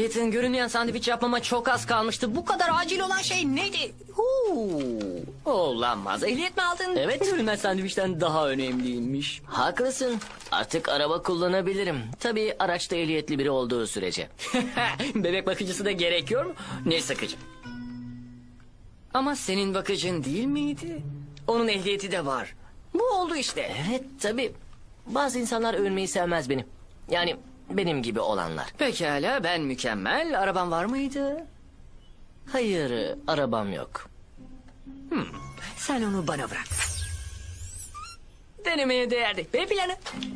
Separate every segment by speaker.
Speaker 1: Ethan, görünmeyen sandviç yapmama çok az kalmıştı. Bu kadar acil olan şey neydi? Olamaz. Ehliyet mi aldın?
Speaker 2: Evet.
Speaker 1: Görünmeyen sandviçten daha önemliymiş.
Speaker 2: Haklısın. Artık araba kullanabilirim. Tabii araçta ehliyetli biri olduğu sürece.
Speaker 1: Bebek bakıcısı da gerekiyor mu? Ne sıkıcı. Ama senin bakıcın değil miydi? Onun ehliyeti de var. Bu oldu işte.
Speaker 2: Evet tabii. Bazı insanlar övünmeyi sevmez beni. Yani benim gibi olanlar.
Speaker 1: Pekala, ben mükemmel. Araban var mıydı?
Speaker 2: Hayır, arabam yok.
Speaker 1: Sen onu bana bırak. Denemeye değerdi. B planı.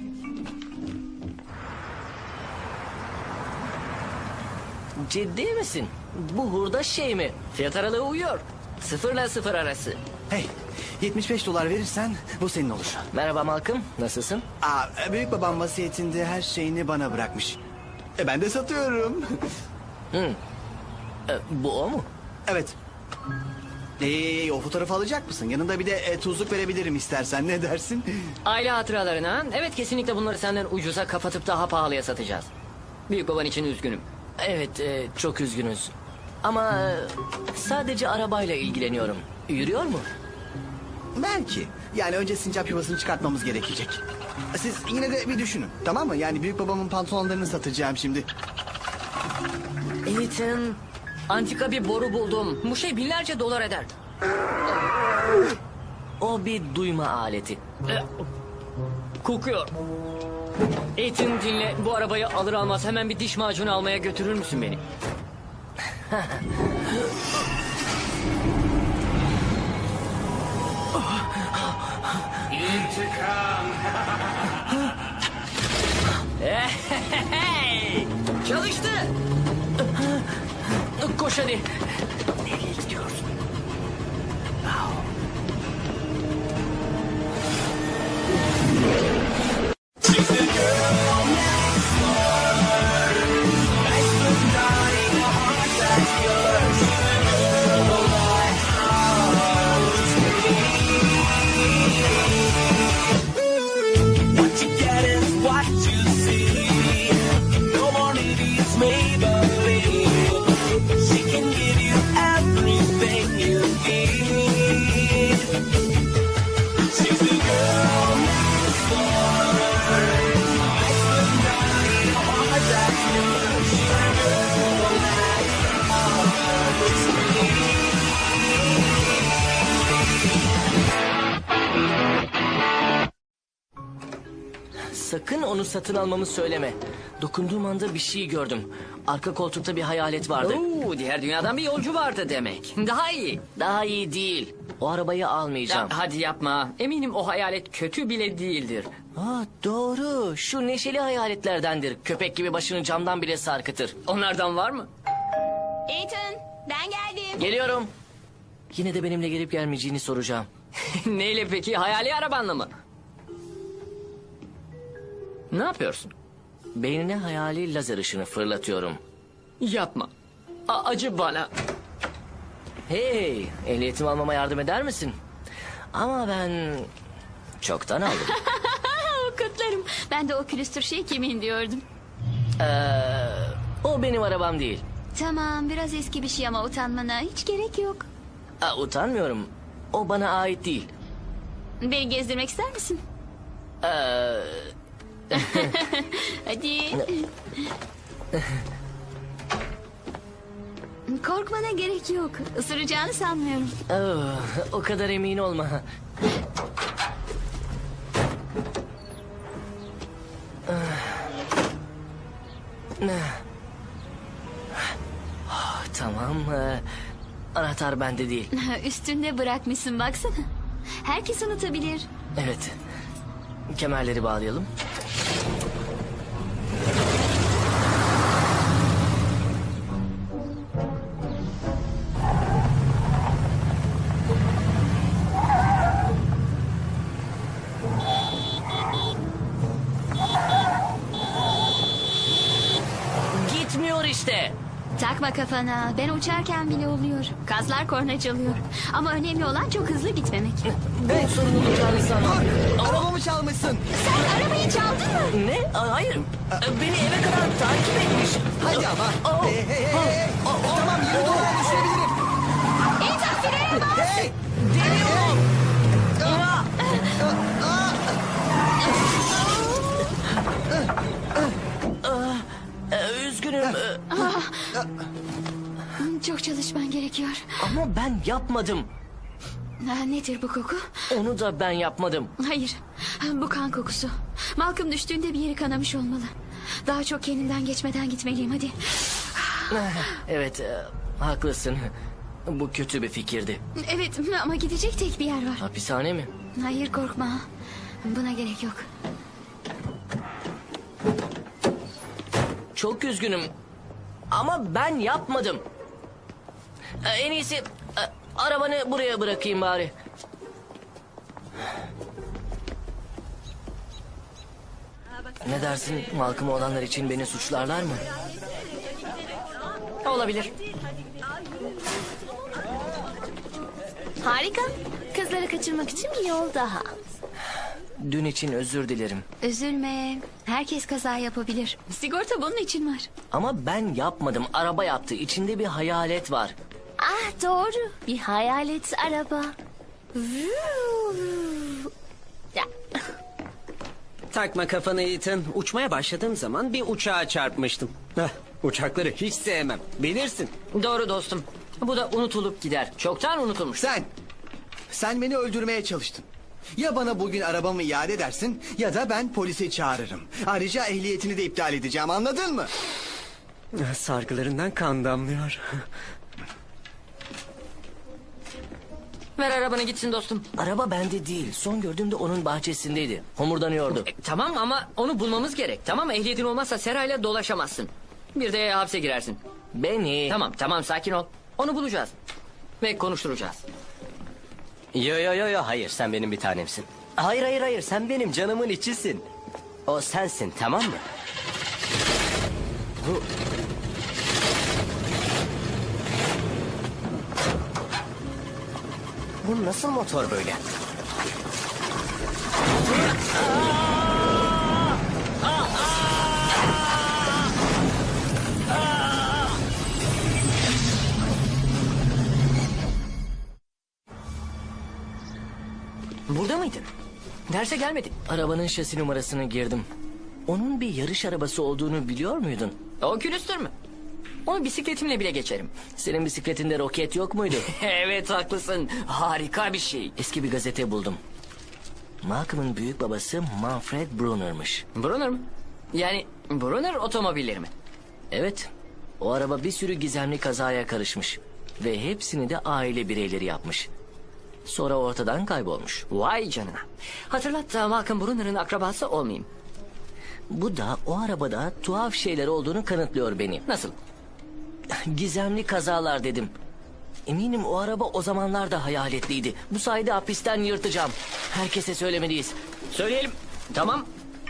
Speaker 2: Ciddi misin? Bu hurda şey mi?
Speaker 1: Fiyat aralığı uyuyor. 0 ile 0 arası.
Speaker 3: Hey, 75 dolar verirsen bu senin olur.
Speaker 2: Merhaba Malcolm, nasılsın?
Speaker 3: Büyük babam vasiyetinde her şeyini bana bırakmış. Ben de satıyorum.
Speaker 2: Bu o mu?
Speaker 3: Evet. O fotoğrafı alacak mısın? Yanında bir de tuzluk verebilirim istersen. Ne dersin?
Speaker 1: Aile hatıralarına. Evet, kesinlikle bunları senden ucuza kapatıp daha pahalıya satacağız. Büyük baban için üzgünüm.
Speaker 2: Evet, çok üzgünüz. Ama sadece arabayla ilgileniyorum. Yürüyor mu?
Speaker 3: Belki. Yani önce sincap yuvasını çıkartmamız gerekecek. Siz yine de bir düşünün. Tamam mı? Yani büyük babamın pantolonlarını satacağım şimdi.
Speaker 1: Ethan, antika bir boru buldum. Bu şey binlerce dolar eder.
Speaker 2: O bir duyma aleti.
Speaker 1: Kokuyor. Ethan, dinle. Bu arabayı alır almaz hemen bir diş macunu almaya götürür müsün beni?
Speaker 4: İntikam.
Speaker 1: Hey! Çalıştı.
Speaker 2: Koş hadi.
Speaker 1: Nereye gidiyorsun?
Speaker 5: What you get is what you see. No more needies, Maybelline. She can give you everything you need. She's the girl next door. Makes the night hard that you. She's the girl next door. It's me.
Speaker 2: Sakın onu satın almamı söyleme. Dokunduğum anda bir şey gördüm. Arka koltukta bir hayalet vardı.
Speaker 1: Oo, diğer dünyadan bir yolcu vardı demek. Daha iyi.
Speaker 2: Daha iyi değil. O arabayı almayacağım.
Speaker 1: Hadi yapma. Eminim o hayalet kötü bile değildir.
Speaker 2: Doğru. Şu neşeli hayaletlerdendir. Köpek gibi başını camdan bile sarkıtır.
Speaker 1: Onlardan var mı?
Speaker 6: Ethan, ben geldim.
Speaker 2: Geliyorum. Yine de benimle gelip gelmeyeceğini soracağım.
Speaker 1: Neyle peki? Hayali arabanla mı? Ne yapıyorsun?
Speaker 2: Beynine hayali lazer ışını fırlatıyorum.
Speaker 1: Yapma. Acı bana.
Speaker 2: Hey, ehliyetimi almama yardım eder misin? Ama ben çoktan aldım.
Speaker 6: Kutlarım. Ben de o külüstür şey kimin diyordum.
Speaker 2: O benim arabam değil.
Speaker 6: Tamam, biraz eski bir şey ama utanmana hiç gerek yok.
Speaker 2: Utanmıyorum. O bana ait değil.
Speaker 6: Beni gezdirmek ister misin? Hadi. Korkmana gerek yok. Isıracağını sanmıyorum.
Speaker 2: O kadar emin olma. Tamam. Anahtar bende değil.
Speaker 6: Üstünde bırakmışsın baksana. Herkes unutabilir.
Speaker 2: Evet. Kemerleri bağlayalım. Gitmiyor işte.
Speaker 6: Takma kafana. Ben uçarken bile oluyor. Kazlar korna çalıyor. Ama önemli olan çok hızlı gitmemek.
Speaker 2: Ben sorun olacağını sanmam.
Speaker 3: Arabamı çalmışsın.
Speaker 6: Sen arabayı çaldın mı?
Speaker 2: Ne? Hayır. Beni eve kadar takip etmiş.
Speaker 3: Hadi ama. Hey hey hey hey. Tamam yürü doğru düşebilirim.
Speaker 6: Ethan frene bas.
Speaker 3: Hey.
Speaker 2: Deniyorum. Üzgünüm
Speaker 6: Çok çalışman gerekiyor.
Speaker 2: ama ben yapmadım.
Speaker 6: Nedir bu koku?
Speaker 2: Onu da ben yapmadım.
Speaker 6: Hayır. Bu kan kokusu. Malcolm düştüğünde bir yeri kanamış olmalı. Daha çok kendinden geçmeden gitmeliyim hadi.
Speaker 2: Evet, haklısın. Bu kötü bir fikirdi.
Speaker 6: Evet ama gidecek tek bir yer var.
Speaker 2: Hapishane mi?
Speaker 6: Hayır korkma. Buna gerek yok.
Speaker 2: Çok üzgünüm. Ama ben yapmadım. En iyisi arabanı buraya bırakayım bari. Ne dersin? Malcolm olanlar için beni suçlarlar mı?
Speaker 1: Olabilir.
Speaker 6: Harika. Kızları kaçırmak için bir yol daha.
Speaker 2: Dün için özür dilerim.
Speaker 6: Üzülme. Herkes kaza yapabilir. Sigorta bunun için var.
Speaker 2: Ama ben yapmadım. Araba yaptı. İçinde bir hayalet var.
Speaker 6: Ah doğru. Bir hayalet araba. Ya,
Speaker 4: Takma kafanı Ethan. Uçmaya başladığım zaman bir uçağa çarpmıştım. Uçakları hiç sevmem. Bilirsin.
Speaker 1: Doğru dostum. Bu da unutulup gider. Çoktan unutulmuş.
Speaker 3: Sen beni öldürmeye çalıştın. Ya bana bugün arabamı iade edersin ya da ben polisi çağırırım. Ayrıca ehliyetini de iptal edeceğim anladın mı?
Speaker 4: Sargılarından kan damlıyor.
Speaker 1: Ver arabanı gitsin dostum.
Speaker 2: Araba bende değil. Son gördüğümde onun bahçesindeydi. Homurdanıyordu.
Speaker 1: Tamam ama onu bulmamız gerek. Tamam ehliyetin olmazsa serayla dolaşamazsın. Bir de hapse girersin.
Speaker 2: Beni...
Speaker 1: Tamam sakin ol. Onu bulacağız. Ve konuşturacağız.
Speaker 7: Yo hayır sen benim bir tanemsin. Hayır sen benim canımın içisin. O sensin tamam mı? Bu nasıl motor böyle?
Speaker 1: Burada mıydın? Derse gelmedin.
Speaker 2: Arabanın şasi numarasını girdim. Onun bir yarış arabası olduğunu biliyor muydun?
Speaker 1: O külüstür mü? Onu bisikletimle bile geçerim.
Speaker 2: Senin bisikletinde roket yok muydu?
Speaker 1: Evet haklısın. Harika bir şey.
Speaker 2: Eski bir gazete buldum. Malcolm'ın büyük babası Manfred Brunner'mış.
Speaker 1: Brunner mı? Yani Brunner otomobilleri mi?
Speaker 2: Evet, o araba bir sürü gizemli kazaya karışmış. Ve hepsini de aile bireyleri yapmış. Sonra ortadan kaybolmuş.
Speaker 1: Vay canına. Hatırlat da Malcolm Brunner'ın akrabası olmayayım.
Speaker 2: Bu da o arabada tuhaf şeyler olduğunu kanıtlıyor beni.
Speaker 1: Nasıl?
Speaker 2: Gizemli kazalar dedim. Eminim o araba o zamanlar da hayaletliydi. Bu sayede hapisten yırtacağım. Herkese söylemeliyiz.
Speaker 1: Söyleyelim. Tamam.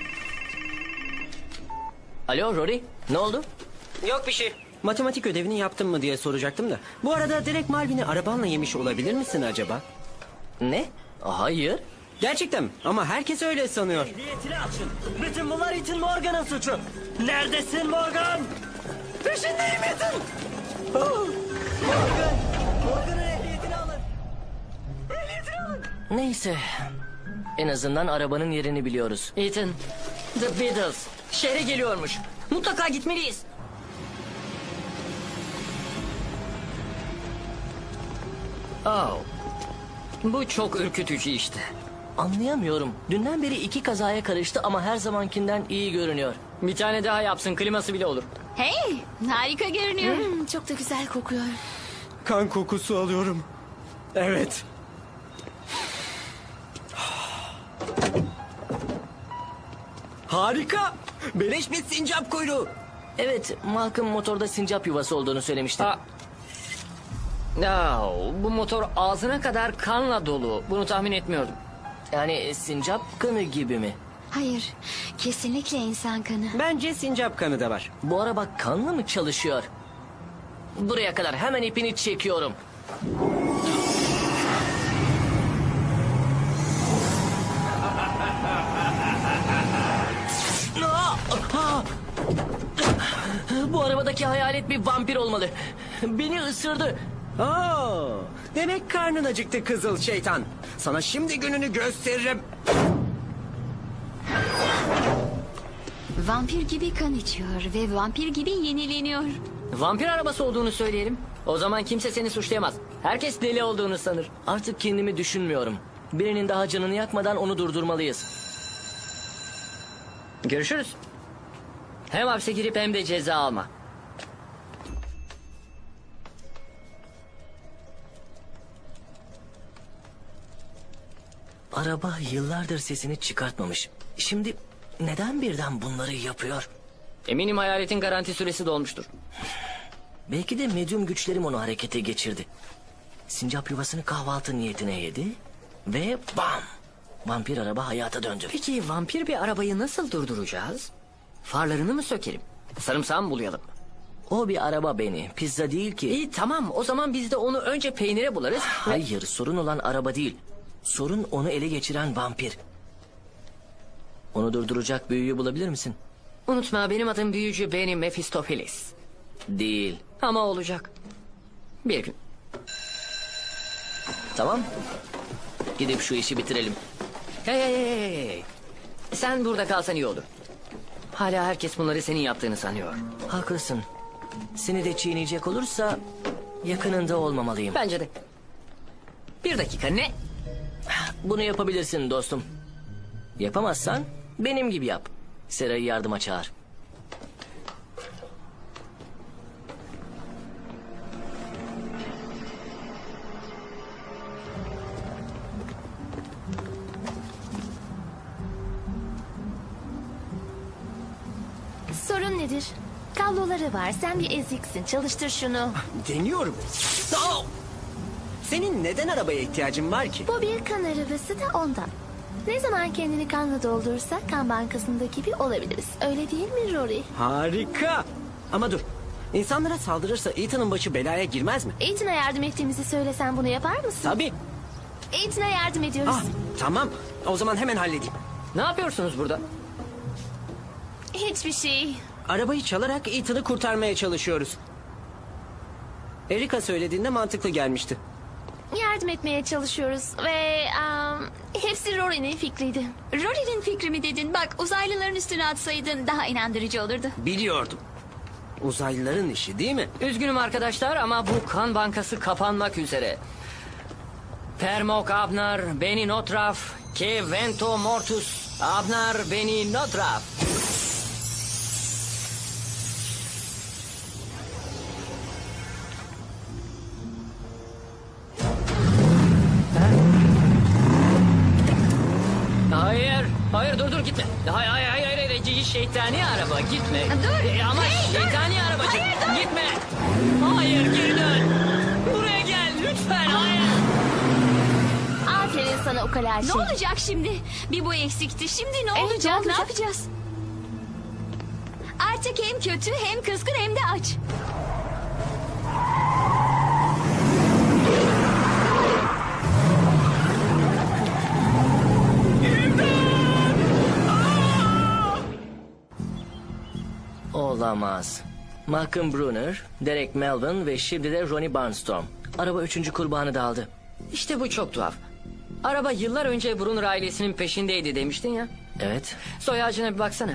Speaker 2: Alo Rory, ne oldu?
Speaker 4: Yok bir şey. Matematik ödevini yaptın mı diye soracaktım da. Bu arada direkt Malvin'i arabanla yemiş olabilir misin acaba?
Speaker 2: Ne? Hayır.
Speaker 4: Gerçekten mi? Ama herkes öyle sanıyor.
Speaker 7: Ehliyetini açın. Bütün bunlar Ethan Morgan'ın suçu. Neredesin Morgan? Peşindeyim Ethan. Morgan'ın ehliyetini alın. Ehliyetini alın.
Speaker 2: Neyse. En azından arabanın yerini biliyoruz.
Speaker 1: Ethan, The Beatles şehre geliyormuş. Mutlaka gitmeliyiz. Oh. Bu çok ürkütücü işte.
Speaker 2: Anlayamıyorum. Dünden beri 2 kazaya karıştı ama her zamankinden iyi görünüyor.
Speaker 1: Bir tane daha yapsın, kliması bile olur.
Speaker 6: Hey harika görünüyor. Çok da güzel kokuyor.
Speaker 4: Kan kokusu alıyorum. Evet. Harika. Beleş bir sincap kuyruğu.
Speaker 2: Evet, Malcolm motorda sincap yuvası olduğunu söylemişti.
Speaker 1: Bu motor ağzına kadar kanla dolu. Bunu tahmin etmiyordum.
Speaker 2: Yani sincap kanı gibi mi?
Speaker 6: Hayır kesinlikle insan kanı.
Speaker 4: Bence sincap kanı da var.
Speaker 2: Bu araba kanla mı çalışıyor? Buraya kadar hemen ipini çekiyorum. Bu arabadaki hayalet bir vampir olmalı. Beni ısırdı.
Speaker 4: Oo, demek karnın acıktı kızıl şeytan. Sana şimdi gününü gösteririm.
Speaker 6: Vampir gibi kan içiyor ve vampir gibi yenileniyor.
Speaker 1: Vampir arabası olduğunu söyleyelim. O zaman kimse seni suçlayamaz. Herkes deli olduğunu sanır.
Speaker 2: Artık kendimi düşünmüyorum. Birinin daha canını yakmadan onu durdurmalıyız.
Speaker 1: Görüşürüz. Hem hapse girip hem de ceza alma.
Speaker 2: Araba yıllardır sesini çıkartmamış. Şimdi neden birden bunları yapıyor?
Speaker 1: Eminim hayaletin garanti süresi dolmuştur.
Speaker 2: Belki de medyum güçlerim onu harekete geçirdi. Sincap yuvasını kahvaltı niyetine yedi ve bam! Vampir araba hayata döndü.
Speaker 1: Peki vampir bir arabayı nasıl durduracağız? Farlarını mı sökelim? Sarımsağı mı bulayalım?
Speaker 2: O bir araba Beni, pizza değil ki.
Speaker 1: İyi tamam, o zaman biz de onu önce peynire bularız.
Speaker 2: Hayır, sorun olan araba değil. Sorun onu ele geçiren vampir. Onu durduracak büyüyü bulabilir misin?
Speaker 1: Unutma, benim adım büyücü Benny Mephistopheles.
Speaker 2: Değil.
Speaker 1: Ama olacak. Bir gün.
Speaker 2: Tamam. Gidip şu işi bitirelim.
Speaker 1: Hey. Sen burada kalsan iyi olur. Hala herkes bunları senin yaptığını sanıyor.
Speaker 2: Haklısın. Seni de çiğneyecek olursa yakınında olmamalıyım.
Speaker 1: Bence de. Bir dakika, ne?
Speaker 2: Bunu yapabilirsin dostum. Yapamazsan benim gibi yap. Sera'yı yardıma çağır.
Speaker 8: Sorun nedir? Kabloları var. Sen bir eziksin. Çalıştır şunu.
Speaker 4: Deniyorum. Aa! Senin neden arabaya ihtiyacın var ki?
Speaker 8: Bu bir kan arabası da ondan. Ne zaman kendini kanla doldursa kan bankasındaki gibi olabiliriz. Öyle değil mi Rory?
Speaker 4: Harika. Ama dur. İnsanlara saldırırsa Ethan'ın başı belaya girmez mi?
Speaker 8: Ethan'a yardım ettiğimizi söylesen bunu yapar mısın?
Speaker 4: Tabii.
Speaker 8: Ethan'a yardım ediyoruz.
Speaker 4: Ah, tamam. O zaman hemen halledeyim.
Speaker 1: Ne yapıyorsunuz burada?
Speaker 8: Hiçbir şey.
Speaker 4: Arabayı çalarak Ethan'ı kurtarmaya çalışıyoruz. Erika söylediğinde mantıklı gelmişti.
Speaker 8: Yardım etmeye çalışıyoruz ve hepsi Rory'nin fikriydi.
Speaker 6: Rory'nin fikri mi dedin? Bak, uzaylıların üstüne atsaydın daha inandırıcı olurdu.
Speaker 4: Biliyordum. Uzaylıların işi değil mi?
Speaker 1: Üzgünüm arkadaşlar ama bu kan bankası kapanmak üzere. Permok Abnar, Beni Notraf, Ke Vento Mortus, Abnar, Beni Notraf. Hayır dur gitme. Hayır şeytani araba gitme.
Speaker 6: Dur.
Speaker 1: Ama şeytani arabacık gitme. Hayır geri dön. Buraya gel lütfen hayır.
Speaker 8: Aferin sana ukala şey.
Speaker 6: Ne olacak şimdi? Bir bu eksikti. Şimdi ne olacak? Ne
Speaker 8: olacak?
Speaker 6: yapacağız? Artık hem kötü hem kızgın hem de aç.
Speaker 2: Olamaz. Malcolm Brunner, Derek Melvin ve şimdi de Ronnie Barnstorm. Araba 3. kurbanı da aldı.
Speaker 1: İşte bu çok tuhaf. Araba yıllar önce Brunner ailesinin peşindeydi demiştin ya.
Speaker 2: Evet.
Speaker 1: Soy ağacına bir baksana.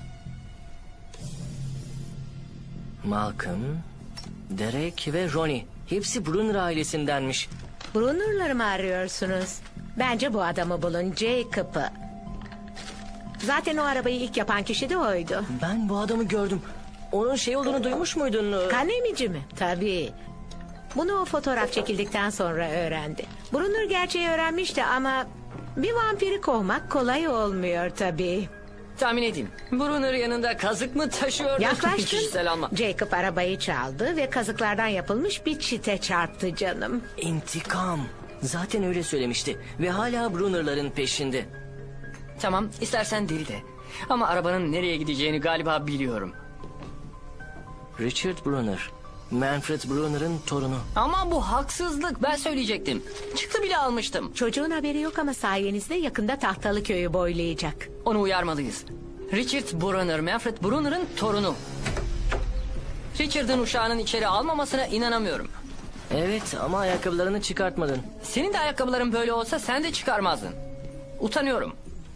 Speaker 2: Malcolm, Derek ve Ronnie. Hepsi Brunner ailesindenmiş.
Speaker 9: Brunner'ları mı arıyorsunuz? Bence bu adamı bulun, Jacob'ı. Zaten o arabayı ilk yapan kişi de oydu.
Speaker 2: Ben bu adamı gördüm. Onun şey olduğunu duymuş muydun?
Speaker 9: Kan emici mi? Tabii. Bunu o fotoğraf çekildikten sonra öğrendi. Brunner gerçeği öğrenmişti ama bir vampiri kovmak kolay olmuyor tabii.
Speaker 1: Tahmin edeyim. Brunner yanında kazık mı taşıyordu?
Speaker 9: Yaklaştın.
Speaker 1: Kişisel alma.
Speaker 9: Jacob arabayı çaldı ve kazıklardan yapılmış bir çite çarptı canım.
Speaker 2: İntikam. Zaten öyle söylemişti. Ve hala Brunner'ların peşinde.
Speaker 1: Tamam, istersen deli de. Ama arabanın nereye gideceğini galiba biliyorum.
Speaker 2: Richard Brunner. Manfred Brunner'ın torunu.
Speaker 1: Ama bu haksızlık, ben söyleyecektim. Çıktı bile almıştım.
Speaker 9: Çocuğun haberi yok ama sayenizde yakında Tahtalı Köyü boylayacak.
Speaker 1: Onu uyarmalıyız. Richard Brunner, Manfred Brunner'ın torunu. Richard'ın uşağının içeri almamasına inanamıyorum.
Speaker 2: Evet ama ayakkabılarını çıkartmadın.
Speaker 1: Senin de ayakkabıların böyle olsa sen de çıkarmazdın. Utanıyorum.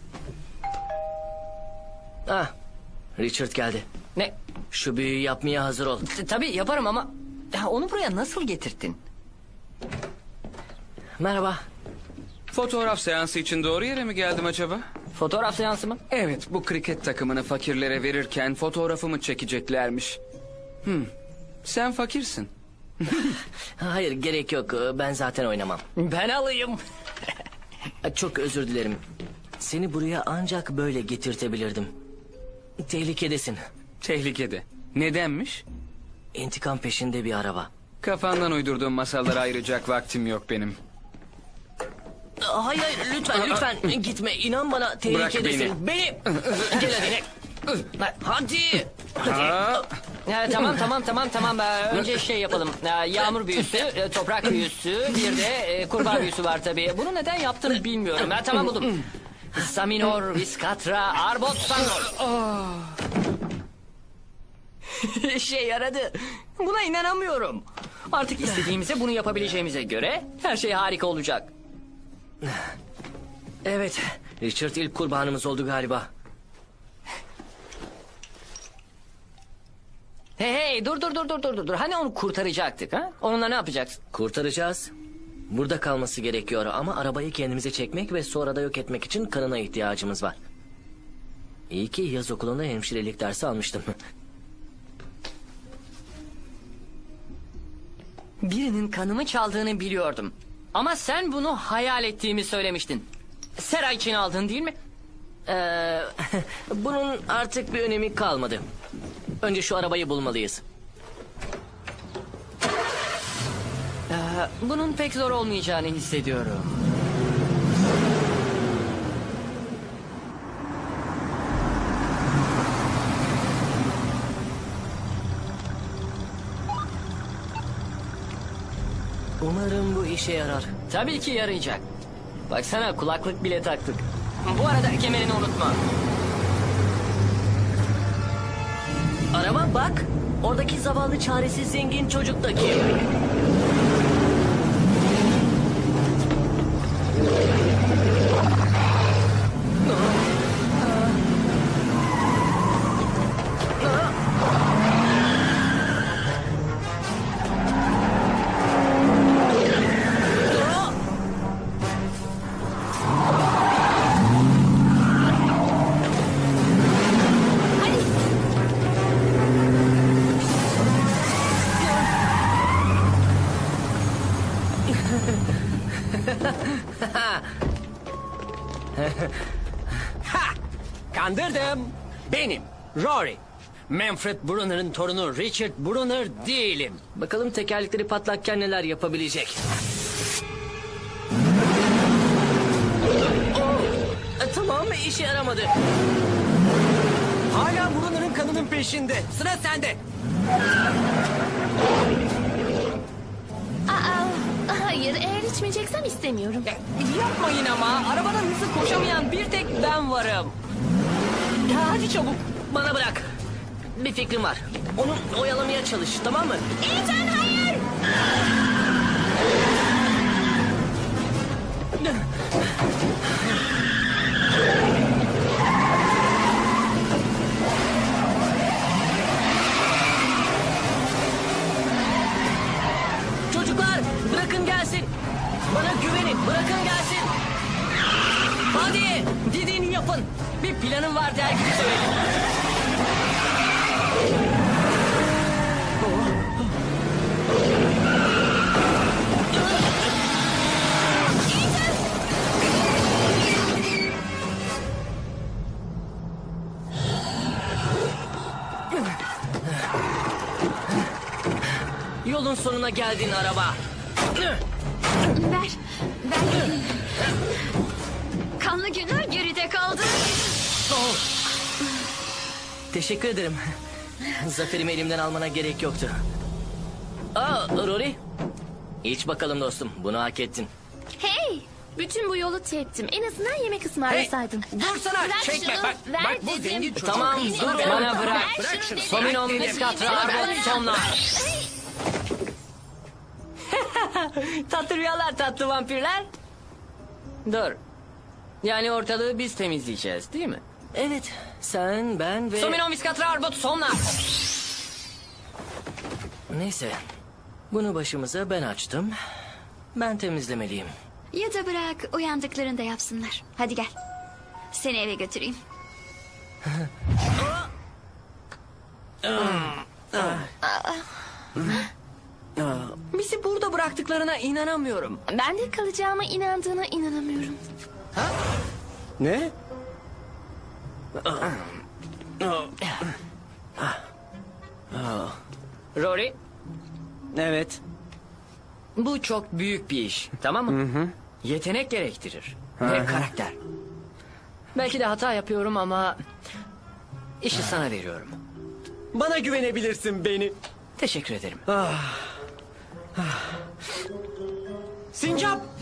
Speaker 2: Ah, Richard geldi.
Speaker 1: Ne?
Speaker 2: Şu büyüyü yapmaya hazır ol.
Speaker 1: Tabii yaparım ama onu buraya nasıl getirttin?
Speaker 2: Merhaba.
Speaker 10: Fotoğraf seansı için doğru yere mi geldim acaba?
Speaker 1: Fotoğraf seansı mı?
Speaker 10: Evet, bu kriket takımını fakirlere verirken fotoğrafımı çekeceklermiş. Sen fakirsin.
Speaker 2: Hayır gerek yok. Ben zaten oynamam.
Speaker 1: Ben alayım.
Speaker 2: Çok özür dilerim. Seni buraya ancak böyle getirtebilirdim. Tehlikedesin.
Speaker 10: Tehlikede. Nedenmiş?
Speaker 2: İntikam peşinde bir araba.
Speaker 10: Kafandan uydurduğum masallara ayıracak vaktim yok benim.
Speaker 2: Hayır lütfen gitme. İnan bana tehlikedesin. Beni. Gel hadi. Hadi.
Speaker 1: Tamam. Önce şey yapalım. Yağmur büyüsü, toprak büyüsü, bir de kurbağa büyüsü var tabii. Bunu neden yaptım bilmiyorum. Tamam buldum. Saminor, Viskatra, Arbot, Sanor. İşe yaradı. Buna inanamıyorum. Artık istediğimize bunu yapabileceğimize göre her şey harika olacak.
Speaker 2: Evet. Richard ilk kurbanımız oldu galiba.
Speaker 1: Hey dur. Hani onu kurtaracaktık ha? Onunla ne yapacaksın?
Speaker 2: Kurtaracağız. Burada kalması gerekiyor ama arabayı kendimize çekmek ve sonra da yok etmek için kanına ihtiyacımız var. İyi ki yaz okulunda hemşirelik dersi almıştım.
Speaker 1: Birinin kanımı çaldığını biliyordum. Ama sen bunu hayal ettiğimi söylemiştin. Sera için aldın değil mi?
Speaker 2: Bunun artık bir önemi kalmadı. Önce şu arabayı bulmalıyız.
Speaker 1: Bunun pek zor olmayacağını hissediyorum.
Speaker 2: Umarım bu işe yarar.
Speaker 1: Tabii ki yarayacak. Baksana kulaklık bile taktık. Bu arada kemerini unutma.
Speaker 2: Araba bak. Oradaki zavallı çaresiz zengin çocuk da kim?
Speaker 1: Kandırdım. Benim Rory. Manfred Brunner'ın torunu Richard Brunner değilim.
Speaker 2: Bakalım tekerlekleri patlakken neler yapabilecek. Tamam işe yaramadı.
Speaker 1: Hala Brunner'ın kanının peşinde. Sıra sende.
Speaker 8: Hayır, eğer içmeyeceksem istemiyorum.
Speaker 1: Yapmayın ama. Arabadan hızlı koşamayan bir tek ben varım. Hadi çabuk.
Speaker 2: Bana bırak. Bir fikrim var. Onu oyalamaya çalış, tamam mı?
Speaker 8: Ethan hayır!
Speaker 2: Çocuklar bırakın gelsin. Bana güvenin, bırakın gelsin.
Speaker 1: Hadi dediğini yapın. Bir planım var der gibi söyledim.
Speaker 2: Yolun sonuna geldin araba.
Speaker 6: Ver gideyim. Kanlı günler geride kaldı.
Speaker 2: Teşekkür ederim. Zaferimi elimden almana gerek yoktu. Rory. İç bakalım dostum, bunu hak ettin.
Speaker 8: Hey, Bütün bu yolu teptim. En azından yemek ısmarlasaydın.
Speaker 1: Dursana.
Speaker 8: Bırak
Speaker 1: Çekme.
Speaker 8: şunu,
Speaker 1: Bak,
Speaker 8: ver
Speaker 1: bu
Speaker 8: dedim.
Speaker 1: zengin çocuk. Tamam dur. Bana bırak. Sominon Viskatra Arbot sonlar. Tatlı rüyalar tatlı vampirler. Dur. Yani ortalığı biz temizleyeceğiz değil mi?
Speaker 2: Evet, sen, ben ve...
Speaker 1: Sominon Viskatra Arbot sonlar.
Speaker 2: Neyse, bunu başımıza ben açtım. Ben temizlemeliyim.
Speaker 6: Ya da bırak uyandıklarında yapsınlar. Hadi gel. Seni eve götüreyim.
Speaker 1: Bizi burada bıraktıklarına inanamıyorum.
Speaker 8: Ben de kalacağıma inandığına inanamıyorum.
Speaker 4: Ne?
Speaker 1: Rory,
Speaker 4: Evet.
Speaker 1: bu çok büyük bir iş. Tamam mı? Yetenek gerektirir. Ve karakter. Belki de hata yapıyorum ama... işi sana veriyorum.
Speaker 4: Bana güvenebilirsin beni.
Speaker 1: Teşekkür ederim.
Speaker 4: Sincap!